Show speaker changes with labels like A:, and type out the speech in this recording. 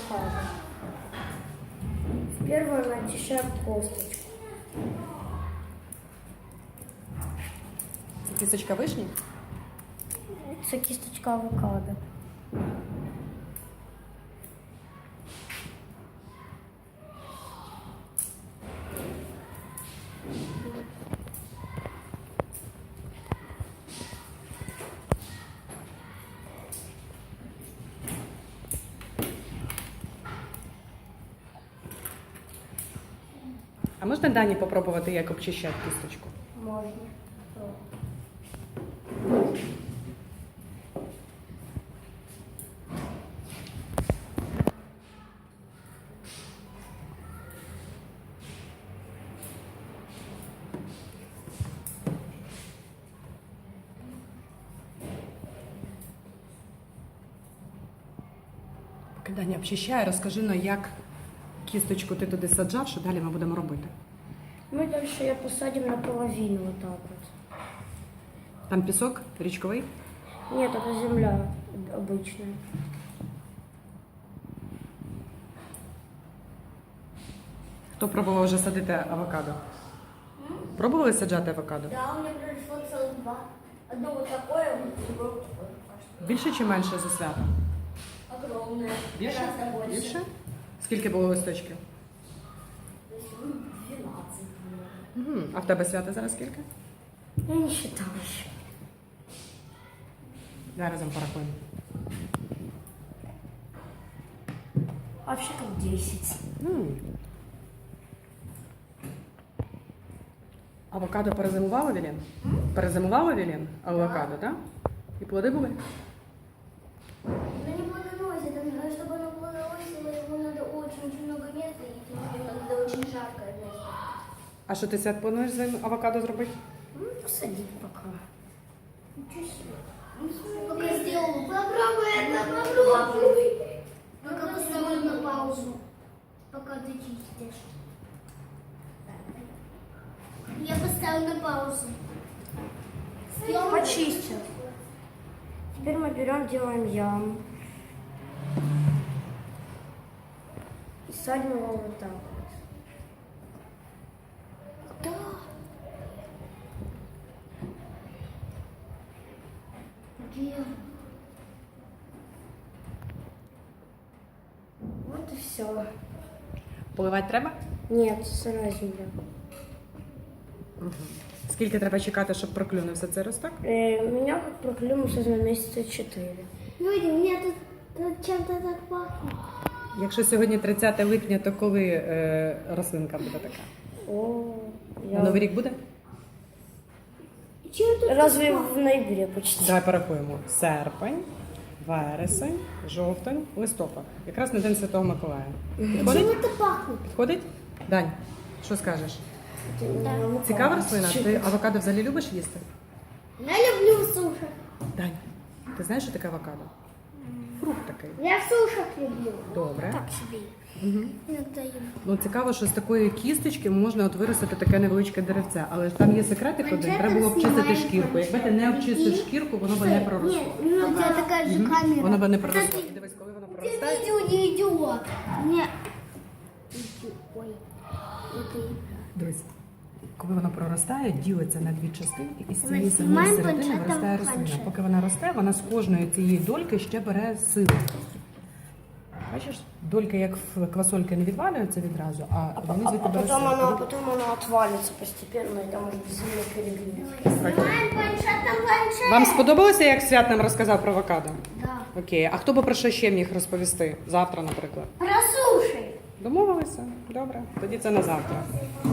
A: авокадо. В первую начищаем косточку.
B: Це кісточка вишні?
A: Це кісточка авокадо.
B: А можна Дані попробувати, як обчищати кісточку?
A: Можна.
B: Поки Даня обчищає, розкажи, ну, як кісточку ти туди саджав, що далі ми будемо робити?
A: Мы дальше ее посадим наполовину вот так вот.
B: Там пісок річковий?
A: Нет, это земля обычная.
B: Хто пробував вже садити авокадо? Пробували саджати авокадо?
A: Да, у меня пришло целых два. Одно вот такое, другое вот такое.
B: Більше чи менше за свято?
A: Огромное.
B: Більше?
A: Гораздо больше.
B: Більше? Скільки було листочків?
A: 12.
B: Угу. А в тебе свято зараз скільки?
A: Я не считала еще.
B: Давай разом порахуємо.
A: Вообще как 10.
B: Авокадо перезимувало, Вілен? Перезимувало, Вілен? Авокадо, так? І плоди були?
A: Ну не плодоносит, чтобы оно плодоносило, ему надо очень много места, и надо очень жаркое место.
B: А що ти свят плануєш з авокадо зробити?
A: Ну, посадить пока. Ничего себе. Пока сделал. Попробуй это, попробуй. Пока поставлю на паузу. Пока ты чистишь. Я поставлю на паузу. Почистил. Теперь мы берем, делаем яму. И садим его вот так вот. Да. Где? Вот и все.
B: Поливати треба?
A: Нет, сырая земля.
B: Скільки треба чекати, щоб проклюнувся цей росток?
A: У меня как проклюнулся на месяца 4. Люди, у меня тут чем-то так пахнет.
B: Якщо сьогодні 30 липня, то коли рослинка буде така?
A: О,
B: На Новий рік буде?
A: Разве в ноябре почти?
B: Давай порахуємо. Серпень, вересень, жовтень, листопад. Якраз на День Святого Миколая. Підходить?
A: Чем это пахнет?
B: Підходить? Дань, що скажеш?
A: Да.
B: Цікава рослина? Ти авокадо взагалі любиш їсти?
A: Я люблю суши.
B: Дань, ти знаєш, що таке авокадо? Фрукт такий.
A: Я в сушах люблю.
B: Добре.
A: Так себе. Иногда ем.
B: Ну, цікаво, що з такої кісточки можна от виростити таке невеличке деревце. Але ж там є секретик один, треба було обчистити шкірку. Якби ти не обчистив шкірку, воно б не проросло.
A: Нет, у тебя такая же камера.
B: Воно б не проросло. І дивись, коли воно проростає.
A: Видео не идет. Нет. Ой. Это...
B: Дивись, коли воно проростає, ділиться на дві частинки, і з цієї самої
A: знімаємо
B: середини
A: планшетом
B: виростає рослина.
A: планшет.
B: Поки вона росте, вона з кожної цієї дольки ще бере силу. Бачиш, дольки як в квасольки не відвалюються відразу, а вони звідти беруть силу.
A: потом оно отвалится постепенно, и там может земля перегнет.
B: Окей.
A: Планшет.
B: Вам сподобалося, як Свят нам розказав про авокадо?
A: Да.
B: Окей. А хто би про що ще міг розповісти? Завтра, наприклад.
A: Про суши.
B: Домовилися? Добре. Тоді це на завтра.